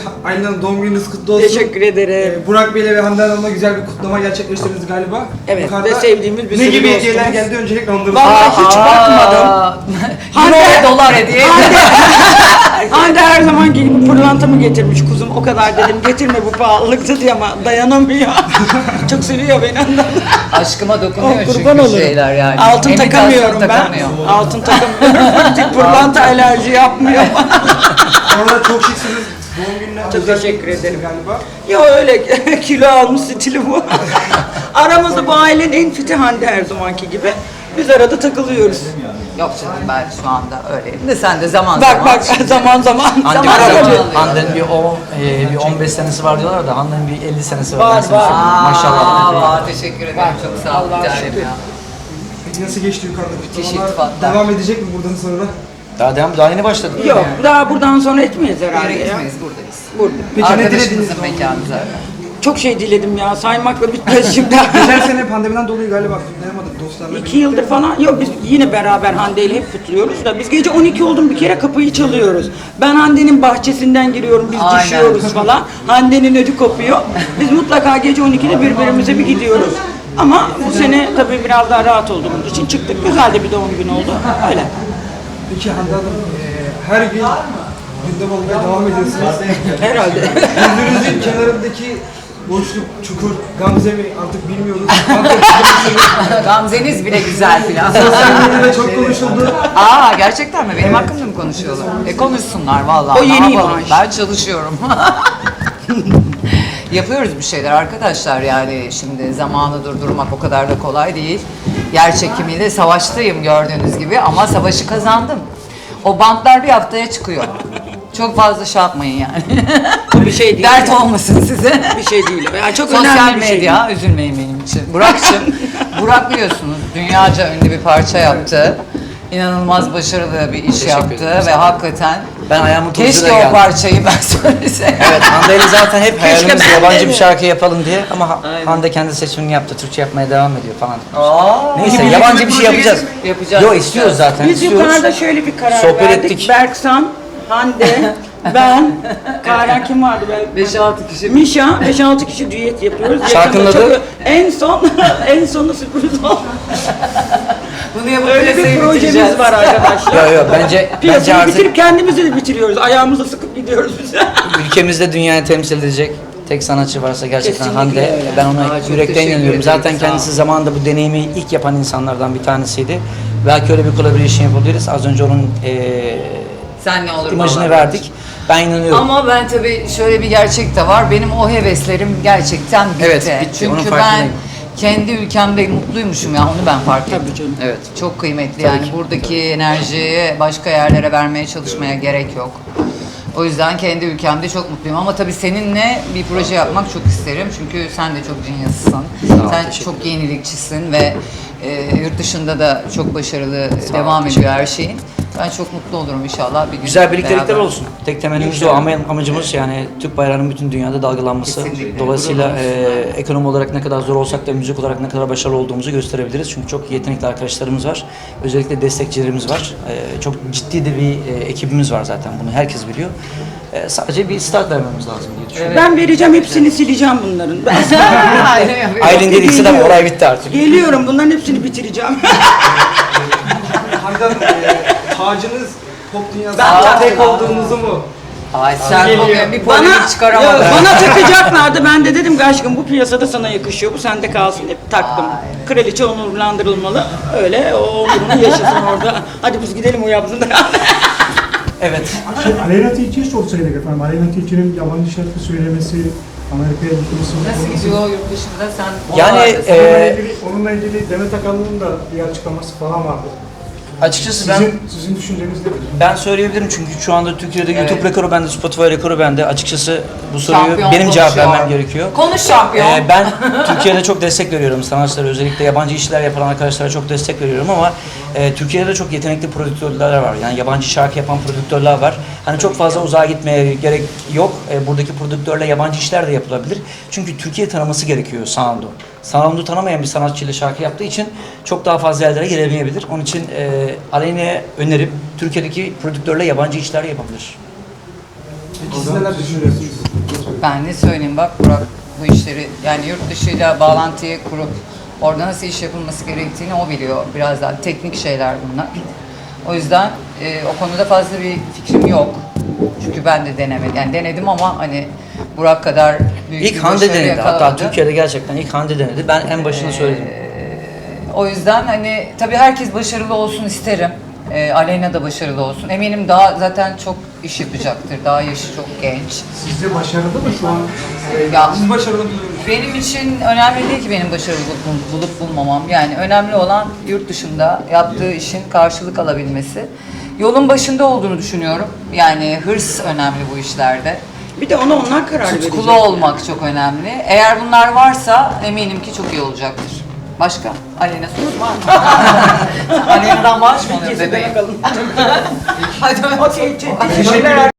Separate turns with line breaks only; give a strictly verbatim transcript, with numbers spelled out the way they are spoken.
Aylin Hanım doğum gününüz kutlu olsun.
Teşekkür ederim.
Ee, Burak Bey'le ve Hande Hanım'la güzel bir kutlama gerçekleştirdiniz galiba.
Evet
Yukarıda
ve sevdiğimiz bir
ne
sürü
gibi hediyeler
dostumuz.
geldi öncelikle onları
Vallahi
sorayım.
hiç bakmadım.
Euro ve dolar hediye.
Hande her zaman gelip pırlantamı getirmiş kuzum. O kadar dedim getirme bu pahalılıktı diye ama dayanamıyor. Çok seviyor beni ondan.
Aşkıma dokunuyor
Oh,
çünkü
kurban olurum.
şeyler yani.
Altın
Imitasyon
takamıyorum ben.
takamıyor.
Altın takamıyorum. Tek pırlanta alerji yapmıyor bana.
Orada çok şıksınız. Doğum gününe
Çok
özel
teşekkür
bir
ederim.
galiba.
Ya öyle kilo almış stili bu. Aramızda bu ailenin en fiti Hande her zamanki gibi. Biz arada takılıyoruz.
Yok canım ben şu anda öyleyim de sen de zaman
Bak
zaman.
bak zaman zaman.
Hande
Zaman
var
zaman
ya,
alıyor.
Hande'nin bir, o, e, bir on beş senesi var diyorlar da Hande'nin bir elli senesi var.
Var,
Ben sana
var.
söyleyeyim. Maşallah.
Aa, aa, teşekkür ederim. Çok sağ ol.
Allah'a
Bir tanem
şükür.
ya.
Peki nasıl geçti yukarıda
Müthiş
kutlamalar?
iltifatlar.
Devam edecek mi buradan sonra?
Daha devam, daha yeni başladık.
Yok daha buradan sonra etmeyiz herhalde
Yere
ya.
gitmeyiz buradayız.
Burada.
Peki ne dilediniz?
Arkadaşımızın mekanı zaten.
Çok şey diledim ya saymakla bitmez şimdi.
Geçen sene pandemiden dolayı galiba kutlayamadık dostlarla.
İki yıldır falan yok biz yine beraber Hande ile hep kutluyoruz da biz gece on iki oldu mu bir kere kapıyı çalıyoruz. Ben Hande'nin bahçesinden giriyorum biz
Aynen.
düşüyoruz falan. Hande'nin ödü kopuyor. Biz mutlaka gece on ikide birbirimize bir gidiyoruz. Ama bu sene tabii biraz daha rahat olduğumuz için çıktık. Güzel de bir doğum günü oldu. Öyle.
Peki Hande Hanım e, her gün gündem olmaya devam ediyorsunuz.
Herhalde.
Yüzünüzün kenarındaki boşluk, çukur, Gamze mi artık bilmiyoruz.
Gamzeniz bile güzel filan.
Sosyal medyada çok konuşuldu.
Aa gerçekten mi? Benim hakkımda mı konuşuyorlar? E konuşsunlar vallahi.
O yeni
Ne yapalım?
imaj.
Ben çalışıyorum. Yapıyoruz bir şeyler arkadaşlar yani şimdi zamanı durdurmak o kadar da kolay değil. Yer çekimiyle savaştayım gördüğünüz gibi ama savaşı kazandım. O bantlar bir haftaya çıkıyor. Çok fazla şey yapmayın yani.
Bir şey değil.
Dert olmasın size.
Bir şey değil. Yani çok
Sosyal
önemli bir şey.
medya, üzülmeyin benim için. Burak'cığım, Burak biliyorsunuz dünyaca ünlü bir parça yaptı. İnanılmaz başarılı bir iş
Teşekkür
yaptı
ederim.
ve hakikaten
Ben ayağımın
keşke
tozuyla
o
geldim.
parçayı ben söyleseydim.
Evet, Hande ile zaten hep hayalimiz
ben de
yabancı
mi?
bir şarkı yapalım diye ama Ha- Hande kendi seçimini yaptı, Türkçe yapmaya devam ediyor falan.
Aa,
Neyse,
Peki,
yabancı
birlikte
bir şey yapacağız.
yapacağız,
Yo,
yapacağız.
istiyoruz zaten,
Biz
istiyoruz.
yukarıda şöyle bir karar
Sohbet
verdik.
ettik.
Berksan, Hande, ben, Karen kim vardı? Ben,
beş altı kişi.
Mişa, beş altı kişi düet yapıyoruz.
Şarkının
Yakında
adı?
çok- En son, en sonu sürpriz oldu.
Bunu yapıp
Öyle bir
piyasayı
projemiz
bitireceğiz.
var arkadaşlar.
Yo yo bence bence
Piyasayı
artık
bitirip kendimizi de bitiriyoruz. Ayağımızla sıkıp gidiyoruz biz.
ülkemizde dünyayı temsil edecek tek sanatçı varsa gerçekten
Kesinlikle
Hande.
öyle.
Ben ona
Aa, çok
yürekten
teşekkür
inanıyorum.
ederim,
Zaten
sağ ol.
kendisi zamanında bu deneyimi ilk yapan insanlardan bir tanesiydi. Belki öyle bir collaboration yapabiliriz. Az önce onun eee
Sen ne olur
imajını
vallahi.
verdik. Ben inanıyorum.
Ama ben tabii şöyle bir gerçek de var. Benim o heveslerim gerçekten bitti.
Evet, bitti. Onun
Çünkü ben
farkındayım.
kendi ülkemde mutluymuşum ya onu ben fark ettim.
Tabii canım.
Evet.
Çok kıymetli
Tabii
yani
ki.
buradaki enerjiyi başka yerlere vermeye çalışmaya gerek yok. O yüzden kendi ülkemde çok mutluyum ama tabii seninle bir proje yapmak çok isterim çünkü sen de çok genius'sın.
ol,
Sen
teşekkür
çok yenilikçisin ve e, yurt dışında da çok başarılı devam ediyor her şeyin. Ben çok mutlu olurum inşallah bir gün.
Güzel birliktelikler
beraber.
olsun. Tek temennimiz o ama amacımız yani Türk bayrağının bütün dünyada dalgalanması.
Kesinlikle.
Dolayısıyla e, ekonomi olarak ne kadar zor olsak da müzik olarak ne kadar başarılı olduğumuzu gösterebiliriz. Çünkü çok yetenekli arkadaşlarımız var. Özellikle destekçilerimiz var. E, çok ciddi de bir e, ekibimiz var zaten bunu herkes biliyor. E, sadece bir start vermemiz lazım diye düşünüyorum.
Ben vereceğim hepsini sileceğim bunların. Ben
Aynen yapıyorum.
Aylin dedikse de olay bitti artık.
geliyorum bunların hepsini bitireceğim.
Hande Hanım e, tacınız pop dünyasında
Ben-
tek olduğunuzu mu?
Ay sen
Geliyor.
bugün bir
Bana,
polemik çıkaramadın.
ya, bana takacaklardı. Ben de dedim ki aşkım bu piyasada sana yakışıyor. Bu sende kalsın. Hep taktım.
Ay.
Kraliçe onurlandırılmalı. Öyle o onurunu yaşasın orada. Hadi biz gidelim o yapsın da.
Evet.
Şey, Aleyna Tilki'ye sorsaydık efendim. Aleyna Tilki'nin yabancı şarkı söylemesi, Amerika'ya gitmesi.
Nasıl gidiyor yurt dışında sen?
Yani,
oralardasın.
e,
Onunla ilgili, onunla ilgili Demet Akalın'ın da bir açıklaması falan vardı.
Açıkçası ben
Sizin, sizin düşünceniz nedir?
ben söyleyebilirim çünkü şu anda Türkiye'de
Evet.
YouTube rekoru bende, Spotify rekoru bende. Açıkçası bu soruyu
Şampiyon
benim cevap
konuşuyor.
vermem gerekiyor.
Konuş şampiyon.
Ee, ben Türkiye'de çok destek veriyorum sanatçılara, özellikle yabancı işler yapan arkadaşlara çok destek veriyorum ama e, Türkiye'de de çok yetenekli prodüktörler var. Yani yabancı şarkı yapan prodüktörler var. Hani çok fazla uzağa gitmeye gerek yok. E, buradaki prodüktörle yabancı işler de yapılabilir. Çünkü Türkiye tanıması gerekiyor sound'u. Sound'u tanımayan bir sanatçıyla şarkı yaptığı için çok daha fazla yerlere gelemeyebilir. Onun için e, Aleyna'ya önerim Türkiye'deki prodüktörle yabancı işler yapabilir.
Peki siz neler düşünüyorsunuz?
Ben ne söyleyeyim bak Burak bu işleri yani yurt dışıyla bağlantıyı kurup orada nasıl iş yapılması gerektiğini o biliyor. Biraz daha teknik şeyler bunlar. O yüzden e, o konuda fazla bir fikrim yok. Çünkü ben de denemedim. Yani denedim ama hani Burak kadar büyük
İlk
bir
Hande
başarı
denedi. Hatta
yakalamadı.
Türkiye'de gerçekten ilk Hande denedi. Ben en başını söyledim.
O yüzden hani tabii herkes başarılı olsun isterim. Ee, Aleyna da başarılı olsun. Eminim daha zaten çok iş yapacaktır. Daha yaşı çok genç.
Sizce başarılı mı şu an?
Ya
Siz başarılı buluyor musunuz?
benim için önemli değil ki benim başarılı bul- bulup bulmamam. Yani önemli olan yurt dışında yaptığı işin karşılık alabilmesi. Yolun başında olduğunu düşünüyorum. Yani hırs önemli bu işlerde.
Bir de ona onlar karar verecek.
Tutkulu olmak çok önemli. Eğer bunlar varsa eminim ki çok iyi olacaktır. Başka? Aleyna sorusu var mı? Aleyna'dan maaş mı alıyor bebeğim?
Bakalım.
Hadi
Okey, teşekkürler.